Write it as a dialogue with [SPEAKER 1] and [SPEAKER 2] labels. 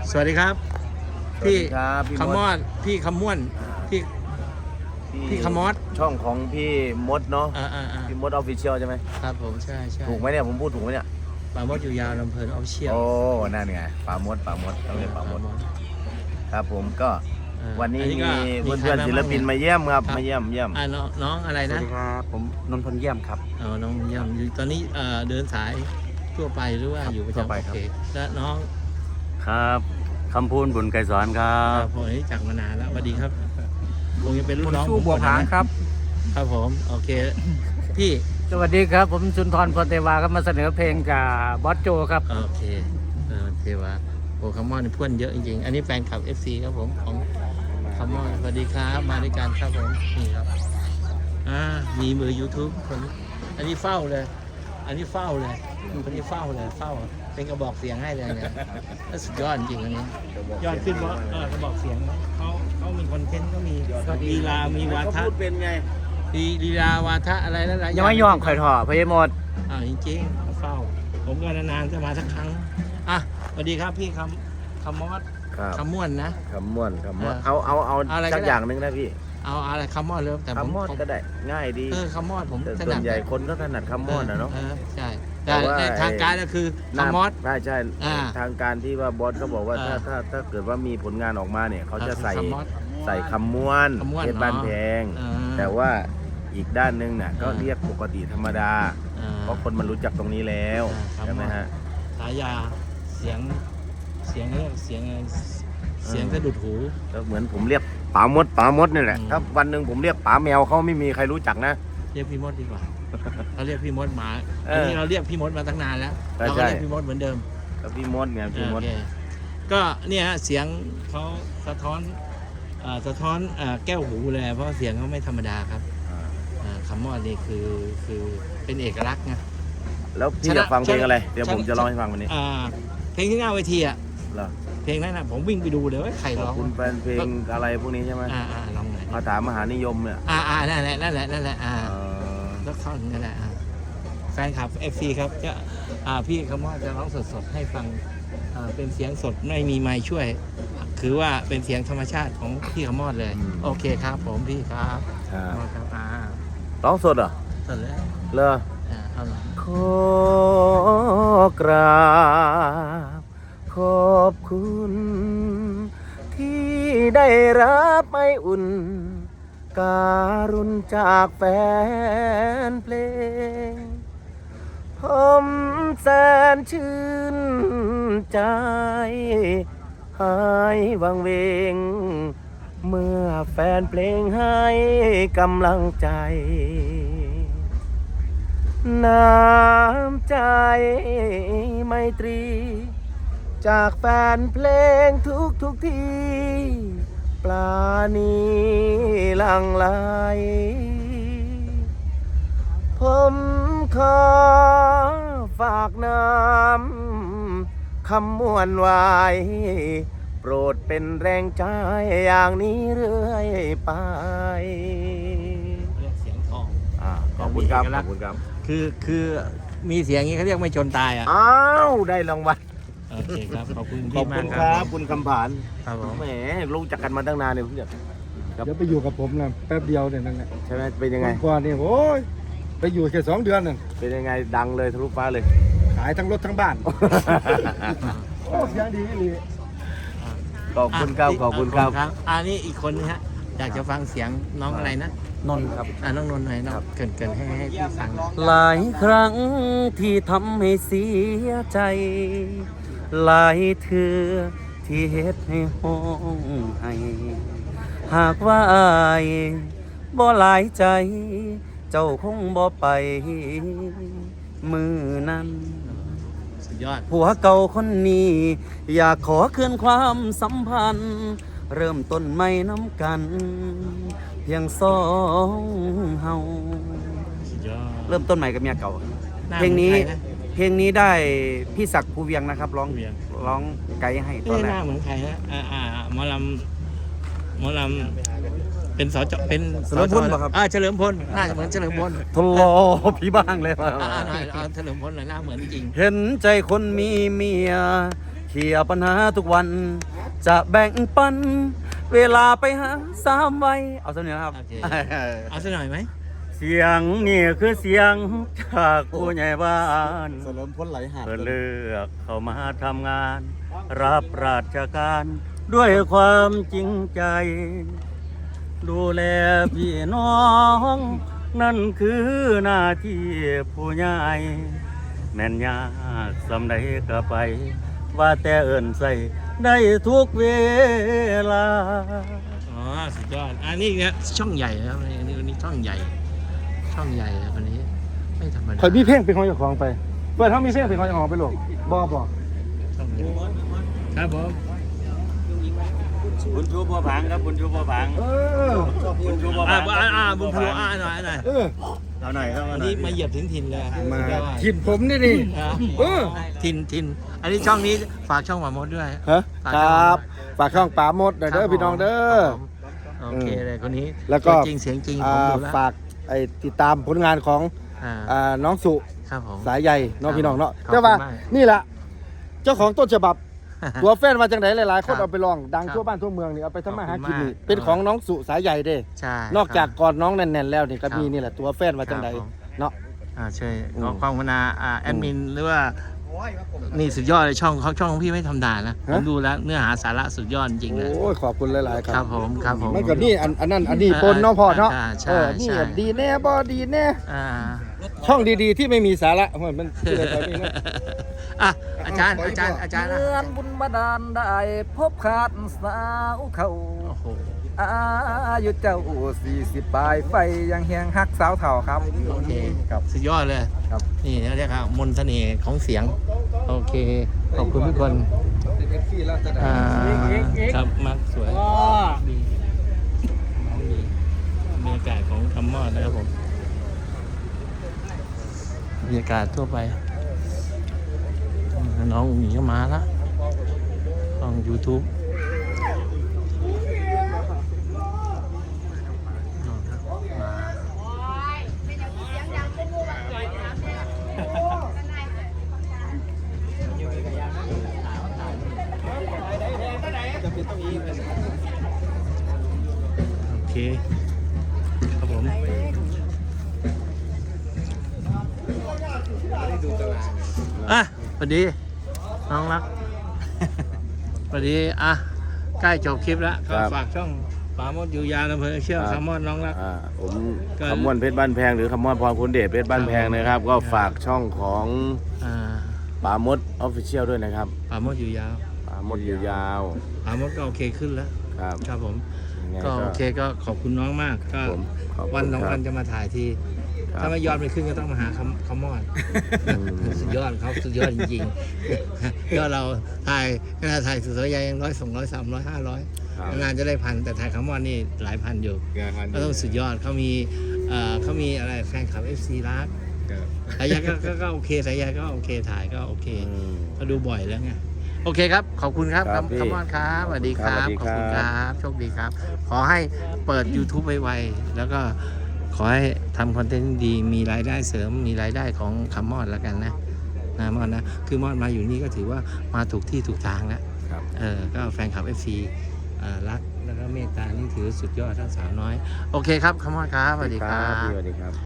[SPEAKER 1] สวัสดีครับพี่
[SPEAKER 2] ครับพี่
[SPEAKER 1] คำมอดพี่คำม่วนพี่พี่คำมอด
[SPEAKER 2] ช่องของพี่มดเนาะ
[SPEAKER 1] อ่า
[SPEAKER 2] พี่มดออฟฟิเชียลใช่ไหม
[SPEAKER 1] ครับผมใช่
[SPEAKER 2] ถูกไหมเนี่ยผมพูดถูกไหมเนี่ย
[SPEAKER 1] ป่ามดอยู่ยาวลำเพลินออฟเชียล
[SPEAKER 2] โอ้นั่นไงป่ามดต้องเรียกป่ามดครับผมก็วันนี้มีเพื่อนๆศิลปินมาเยี่ยมครับมาเยี่ยม
[SPEAKER 1] น้องอะไร
[SPEAKER 3] สวั
[SPEAKER 1] นะ
[SPEAKER 3] สดีครับผมนนท์พลเยี่ยมครับ
[SPEAKER 1] น้องเยี่ยมอยู่ตอนนี้เดินสายทั่วไปหรือว่าอยู่ประ
[SPEAKER 3] ทั่ว
[SPEAKER 1] จำ
[SPEAKER 3] ไป
[SPEAKER 1] โอ
[SPEAKER 3] ครับ
[SPEAKER 1] เคและน้อง
[SPEAKER 3] ครับคำพูนบุญไกรสอนครั
[SPEAKER 1] ผมนี้จักมานานแล้วสวัสดีครับคงจะเป็นรุ่นน้อง
[SPEAKER 4] สู้บัวผางครับ
[SPEAKER 1] ครับผมโอเคพี่
[SPEAKER 4] สวัสดีครับ ผมสุนทรพลเทวาครับมาเสนอเพลงกับบอสโจครับ
[SPEAKER 1] โอเคเทวาโอ้คำมอดนี่เพื่อนเยอะจริงๆอันนี้แฟนคลับ FC ครับผมของคำมอดสวัสดีครับมาด้วยกันครับผมนี่ครับมีมือ YouTube คนนี้อันนี้เฝ้าเลยคนนี้เฝ้าเลยเป็นกระบอกเสียงให้เลยเนี่ยสุดยอดจริงอันนี้ยอดขึ้นเพราะกระบอกเสียงเขามีคอนเทนต์ก็มีลีลามีวาทะ
[SPEAKER 2] พูดเป็นไง
[SPEAKER 1] ลีลาวาทะอะไรแล้วหลาย
[SPEAKER 4] ยังไม่ย่องข่อยถอพยมด
[SPEAKER 1] จริงๆเฝ้าผมก็นานๆจะมาสักครั้งสวัสดีครับพี่คำมอด
[SPEAKER 2] ครับ
[SPEAKER 1] คำม่วนนะ
[SPEAKER 2] คำม่วนเอา
[SPEAKER 1] อะไรก็
[SPEAKER 2] สัก
[SPEAKER 1] ได้
[SPEAKER 2] อย่างหนึ่งนะพี่
[SPEAKER 1] เอาอะไรคำมอดเลยแต่ผม
[SPEAKER 2] คำม่วนก็ได้ง่ายดี
[SPEAKER 1] คำมอดผม
[SPEAKER 2] แต่
[SPEAKER 1] ถ
[SPEAKER 2] ส่ว
[SPEAKER 1] นัด
[SPEAKER 2] นใหญ่คนก็ถนัดคำม่วนนะเนาะ
[SPEAKER 1] ใช่
[SPEAKER 2] แต่
[SPEAKER 1] แต่
[SPEAKER 2] ว่า
[SPEAKER 1] ในทางการก็คือคำมอด
[SPEAKER 2] ใช่
[SPEAKER 1] อ่า
[SPEAKER 2] ทางการที่ว่าบอสเขาบอกว่า
[SPEAKER 1] อ่า
[SPEAKER 2] ถ้าเกิดว่ามีผลงานออกมาเนี่ยเขาจะใส่
[SPEAKER 1] คำมอด
[SPEAKER 2] คำม้วน
[SPEAKER 1] คำม่วน
[SPEAKER 2] เพชรบ้านแพง
[SPEAKER 1] อ่า
[SPEAKER 2] แต่ว่าอีกด้านหนึงน่ะก็
[SPEAKER 1] อ่า
[SPEAKER 2] เรียกปกติธรรมดา เพราะคนมันรู้จักตรงนี้แล้ว
[SPEAKER 1] อ่า
[SPEAKER 2] ใช่ไหมฮะ
[SPEAKER 1] ฉายาเสียงสะดุดหู
[SPEAKER 2] ก็เหมือนผมเรียกป๋ามดนี่แหละ
[SPEAKER 1] อืม
[SPEAKER 2] ถ้าวันหนึ่งผมเรียกป๋าแมวเขาไม่มีใครรู้จักนะ
[SPEAKER 1] เรียกพี่มดดีกว่าเราเรียกพี่มดมา
[SPEAKER 2] เอ
[SPEAKER 1] อัน
[SPEAKER 2] อ
[SPEAKER 1] นี้เราเรียกพี่มดมาตั้งนานแล้ว
[SPEAKER 2] ใช่
[SPEAKER 1] เราก็เรียกพี่มดเหมือนเดิม
[SPEAKER 2] ก็พี่มดไงพี่มด
[SPEAKER 1] โอเคก็เนี่ยฮะเสียงเขาสะท้อนแก้วหูเลยเพราะเสียงเขาไม่ธรรมดาครับคำมอดนี่คือเป็นเอกลักษณ์ไง
[SPEAKER 2] แล้วพี่อยากฟังเพลงอะไรเดี๋ยวผมจะร้องให้ฟังวันนี้
[SPEAKER 1] เพลงที่หน้าเวทีอ่ะ
[SPEAKER 2] เหรอ
[SPEAKER 1] เพลงนั้นนะผมวิ่งไปดูเลยว่าใคร
[SPEAKER 2] ข
[SPEAKER 1] ร้
[SPEAKER 2] อ
[SPEAKER 1] อบ ง
[SPEAKER 2] คุณแฟนเพลงอะไรพวกนี้ใช่ไหม
[SPEAKER 1] ลองหน่อย
[SPEAKER 2] คาถามหานิยมเนี่ย
[SPEAKER 1] นั่นแหละ
[SPEAKER 2] เออ
[SPEAKER 1] แล้วเข้านั่นแหละแฟนคลับ FC ครับจะพี่คำมอดจะร้องสดๆให้ฟังเป็นเสียงสดไม่มีไมค์ช่วย คือว่าเป็นเสียงธรรมชาติของพี่คำมอดเลย โอเคครับผมพี่ครับ
[SPEAKER 2] อ่า
[SPEAKER 1] ครับ
[SPEAKER 2] ร้องสดเหรอ
[SPEAKER 1] สดแล้ว
[SPEAKER 2] เลอ
[SPEAKER 1] เอาหน่อย
[SPEAKER 2] ขอกราบขอบคุณ ที่ได้รับไออุ่น การุณจากแฟนเพลง ผมแสนชื่นใจ หายวังเวง เมื่อแฟนเพลงให้กำลังใจ น้ำใจไมตรี จากแฟนเพลงทุกที่ปลาณีหลังไหลผมขอฝากน้ำคำม่วนไว้ โปรดเป็นแรงใจอย่างนี้เรื่อยไป
[SPEAKER 1] เรียกเสียงทอง
[SPEAKER 2] ขอบคุณครับ
[SPEAKER 1] มีเอกลั
[SPEAKER 2] ข
[SPEAKER 1] กษณ์
[SPEAKER 2] อบคุณครับ
[SPEAKER 1] คือมีเสียงอย่างนี้เขาเรียกไม่จนตายอ่ะ
[SPEAKER 2] อ้าวได้รางวัล
[SPEAKER 1] โอเคครับขอบคุณ
[SPEAKER 2] ขอ
[SPEAKER 1] พี่
[SPEAKER 2] บ
[SPEAKER 1] มา
[SPEAKER 2] คุ
[SPEAKER 1] ก
[SPEAKER 2] ณ
[SPEAKER 1] ค
[SPEAKER 2] ค
[SPEAKER 1] รั
[SPEAKER 2] รั
[SPEAKER 1] บบ
[SPEAKER 2] คุณคำผาน
[SPEAKER 1] ครับผม
[SPEAKER 2] แหมรู้จักกันมาตั้งนานเนี่ยผมอยาก
[SPEAKER 5] เดี๋ยวไปอยู่กับผมนะแป๊บเดียวเนี่ยนั่นแหละ
[SPEAKER 2] ใช่ไหมเป็นยังไง
[SPEAKER 5] วันก่อนนี่โอ้ยไปอยู่แค่2 เดือนน่ะ
[SPEAKER 2] เป็นยังไงดังเลยทะลุฟ้าเลย
[SPEAKER 5] ขายทั้งรถทั้งบ้านโอ้เสียงดีเลย
[SPEAKER 2] ขอบคุณครับขอบคุณครับ
[SPEAKER 1] นี่อีกคนนึงฮะอยากจะฟังเสียงน้องอะไรนะ
[SPEAKER 3] นนท์ครับ
[SPEAKER 1] น้องนนท์หน่อยน้องเกินให้พี่ฟัง
[SPEAKER 3] หลายครั้งที่ทำให้เสียใจ หลายเทื่อที่เฮ็ดให้ห้องไห้หากว่าอายบ่หลายใจ เจ้าคงบ่ไป มือนั้น
[SPEAKER 1] สุดยอด
[SPEAKER 3] ผัวเก่าคนนี้ อยากขอคืนความสัมพันธ์ เริ่มต้นใหม่น้ำกัน เพียงสองเฮา
[SPEAKER 1] สุดยอด
[SPEAKER 3] เริ่มต้นใหม่กับเมียเก่า
[SPEAKER 1] หน้า
[SPEAKER 3] เพลงนี้
[SPEAKER 1] หมือใครนะ
[SPEAKER 3] เพลงนี้ได้พี่ศักดิ์ภูเวียงนะครับร้อง
[SPEAKER 1] ภูเวียง
[SPEAKER 3] ร้องไกด์ให้ตอน
[SPEAKER 1] ห
[SPEAKER 3] แร
[SPEAKER 1] น้าก เหมือนใครฮะหมอลำเป็นสจเป็น
[SPEAKER 3] เฉลิมพลเหรอครับ
[SPEAKER 1] เฉลิมพลน่าจะเหมือนเฉลิมพล
[SPEAKER 3] ทะเลาะพี่บ้างเลย
[SPEAKER 1] หน่อยเฉลิมพลหน่อยหน้าเหมือนจริง
[SPEAKER 3] เห็นใจคนมีเมียเคลียร์ปัญหาทุกวัน จะแบ่งปัน เวลาไปหาสามไว้เอาสักหน่อยนะครับ
[SPEAKER 1] โอเค เอาสักหน่อยไหม
[SPEAKER 3] เสียงนี่คือเสียงจากผู้ใหญ่บ้าน
[SPEAKER 5] เสริมพ้นไหลหาด
[SPEAKER 3] เพื่อเลือกเข้ามาทำงาน รับราชการด้วยความจริงใจ ดูแลพี่น้อง นั่นคือหน้าที่ผู้ใหญ่แม่นยากสำใดก็ไป ว่าแต่เอิ้นใส่ได้ทุกเวลา
[SPEAKER 1] อ๋อสุดยอดอันนี้เนี่ยช่องใหญ่นะครับอันนี้ช่องใหญ่ ช่องใหญ่นะวันนี้ไม่ธรรมดา
[SPEAKER 5] คอยมีเพลงเป็นของเจ้าของไปเปิดเขามีเพลงเป็นของเจ้าของไปหรอกบ่
[SPEAKER 1] ช่องใหญ่ครับผม
[SPEAKER 3] บุญชูบัวผังครับบุญชูบัวผัง บุญชูบัวผัง
[SPEAKER 1] บุญพลูหน่อยหน่อย
[SPEAKER 3] เอาหน่อยครับ
[SPEAKER 1] อันนี้มาเหยียบถึงถิ่นเลย
[SPEAKER 5] มา
[SPEAKER 1] สุดยอด
[SPEAKER 5] ทิมผมนี่ดิ
[SPEAKER 1] ถิ่นอันนี้ช่องนี้ฝากช่องหมามดด้วย
[SPEAKER 5] ฮะครับฝากช่องป๋ามดหน่อยเด้อพี่น้องเด้อ
[SPEAKER 1] ครับผมโอเคเลยคนนี้
[SPEAKER 5] แล้วก็
[SPEAKER 1] ตัวจริงเสียงจริงผมดูแล้ว
[SPEAKER 5] ฝากติดตามผลงานของ น้องสุ
[SPEAKER 1] ครับผม
[SPEAKER 5] สายใยเน้องพี่น้องเนาะ
[SPEAKER 1] ขอบคุณ
[SPEAKER 5] แต่ว่าม
[SPEAKER 1] าก
[SPEAKER 5] นี่แหละเจ้าของต้นฉบับ ตัวแฟนมาจังไหนหลายๆ คน
[SPEAKER 1] ครับ
[SPEAKER 5] เอาไปลองดัง
[SPEAKER 1] ครับ
[SPEAKER 5] ทั่วบ้านทั่วเมืองนี่เอาไปทำมาหากินนี่
[SPEAKER 1] ขอบคุณมาก
[SPEAKER 5] เป็นของน้องสุสายใยเด้
[SPEAKER 1] ใช่
[SPEAKER 5] นอกจากกอดน้องแน่นๆแล้วนี่ก็
[SPEAKER 1] ครับ
[SPEAKER 5] มีนี่แหละตัวแฟนมาจังไหน
[SPEAKER 1] ครับผม
[SPEAKER 5] เนาะ
[SPEAKER 1] ช่วย
[SPEAKER 5] อืม
[SPEAKER 1] ขอความกรุณาแอดมินหรือว่านี่สุดยอดเลยช่องของพี่ไม่ธรรมดานะผมดูแล้วเนื้อหาสาระสุดยอดจริงเลย
[SPEAKER 5] โอ้ยขอบคุณหลายๆค
[SPEAKER 1] ค
[SPEAKER 5] รั
[SPEAKER 1] รับผมครับผม
[SPEAKER 5] มันก็นี่อันนั้นอันนี้ปนเนาะพ่อเนาะ
[SPEAKER 1] ใช่
[SPEAKER 5] นี่
[SPEAKER 1] ใช่
[SPEAKER 5] ดีแน่บ่ดีแน่
[SPEAKER 1] อ่า
[SPEAKER 5] ช่องดีๆที่ไม่มีสาระมันชื่ออะไรนี่นะ
[SPEAKER 1] อ่ะอาจารย์นะ
[SPEAKER 4] เมือนบุญบาดาลได้พบขาดสาวเขา
[SPEAKER 1] โอ้โห
[SPEAKER 4] อายุเจ้า40ปลายไฟยังเฮียงฮักสาวเถ่าครับ
[SPEAKER 1] โอเค
[SPEAKER 5] ครับ
[SPEAKER 1] สุดยอดเลย
[SPEAKER 5] ครับ
[SPEAKER 1] นี่เขาเรียกว่ามนต์เสน่ห์ของเสียงโอเคขอบคุณทุกคนครับมักสวยดีบรรยากาศของคำมอดนะครับผมบรรยากาศทั่วไปน้องหมีก็มาละช่อง YouTube โอเค ครับผมอ่ะสวัสดี น้องรักสวัสดีอ่ะ ใกล้จบคลิปแล้วก็ฝากช่องป๋ามดอยู่ยาวอำเภอเชี่ยวคำมอดน้องรัก
[SPEAKER 2] ผม
[SPEAKER 1] ก็
[SPEAKER 2] คำม่วนเพชรบ้านแพงหรือคำม่วนพรคุณเดชเพชรบ้านแพงนะครับ ก็ฝากช่องของ
[SPEAKER 1] อ่า
[SPEAKER 2] ป๋ามดออฟฟิเชียลด้วยนะครับ
[SPEAKER 1] ป๋ามดอยู่ยาว
[SPEAKER 2] ป๋ามดอยู่ยาว
[SPEAKER 1] ป๋ามดก็โอเคขึ้นแล้ว
[SPEAKER 2] ครับ
[SPEAKER 1] ครับผม
[SPEAKER 2] ยังไง
[SPEAKER 1] ก็โอเคก็ขอบคุณน้องมากก็
[SPEAKER 2] ผมขอบคุณ
[SPEAKER 1] วันสอง
[SPEAKER 2] ครับ
[SPEAKER 1] วันจะมาถ่ายที
[SPEAKER 2] ครับ
[SPEAKER 1] ถ้าไม่ยอดไม่ขึ้นก็ต้องมาหาคำมอด สุดยอดเขาสุดยอดจริงๆ ยอดเราถ่ายขนาดถ่ายสุดสวยใหญ่ยัง100 200 300
[SPEAKER 2] ครับ
[SPEAKER 1] 500นานจะได้พันแต่ถ่ายคำมอดนี่หลายพันอยู่ ก็ต้องสุดยอดเขามีอะไรแฟนคลับ FC รักสายใยก็โอเคสายใยก็โอเคถ่ายก็โอเค ก็ดูบ่อยแล้วไงโอเคครับ ขอบคุณครับ
[SPEAKER 2] ครับพี่
[SPEAKER 1] คำมอดครับสวัสดีครับ
[SPEAKER 2] ครับสวัสดี
[SPEAKER 1] ขอบ
[SPEAKER 2] ครับ
[SPEAKER 1] คุณครับโชคดีครับ ขอให้เปิด YouTube ไวๆแล้วก็ขอให้ทำคอนเทนต์ดีมีรายได้เสริมมีรายได้ของคำมอดแล้วกันนะมอดนะคือมอดมาอยู่นี่ก็ถือว่ามาถูกที่ถูกทางแล้ว
[SPEAKER 2] ครับ
[SPEAKER 1] ก็แฟนคลับ FC รักแล้วก็เมตตานี่ถือสุดยอดทั้งสาวน้อย โอเคครับคำมอดครับสวัสดีครับ
[SPEAKER 2] พี่สวัสดีครับ